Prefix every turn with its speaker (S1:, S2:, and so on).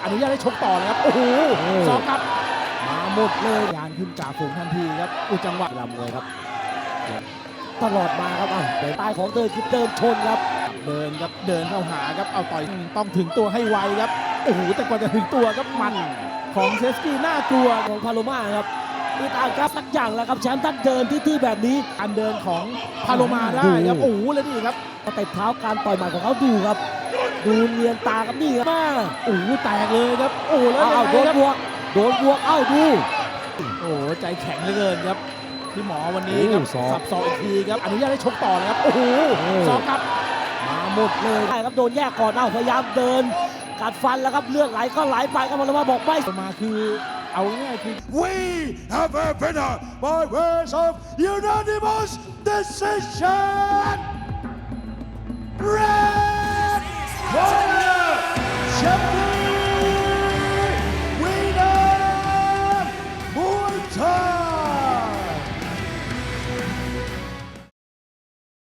S1: อนุญาตให้ชกต่อเลยครับโอ้โหสองครับมาหมดเลยยานขึ้นจากฝูงทันทีครับจังหวะลำเลยครับตลอดมาครับแต่ใต้ของเดินคือเดินชนครับเดินครับเดินเข้าหาครับเอาต่อยต้องถึงตัวให้ไวครับโอ้โหแต่กว่าจะถึงตัวครับมันของเชสกี้น่ากลัวของพาโลมาครับมีตามครับสักอย่างแล้วครับแชมป์ท่านเดินที่แบบนี้การเดินของพาโลมาได้ครับโอ้โหแล้วนี่ครับเตะเท้าการต่อยหมัดของเขาดูครับดูเนียนตาครับนี่ครับมาโอ้โหแตกเลยครับโอ้แล้วโดนบวกดูโอ้โหใจแข็งเหลือเกินครับพี่หมอวันนี้ครับสับศอกอีกทีครับอนุญาตให้ชกต่อเลยครับโอ้โหสองครับมาหมดเลยใช่ครับโดนแยกก่อนพยายามเดินกัดฟันแล้วครับเลือดไหลก็ไหลไปครับพาโลมาบอกไม่มาคือเอาง่ายๆคือ
S2: We have a winner by ways of unanimous decision. Red corner, champion, winner, Muay Thai.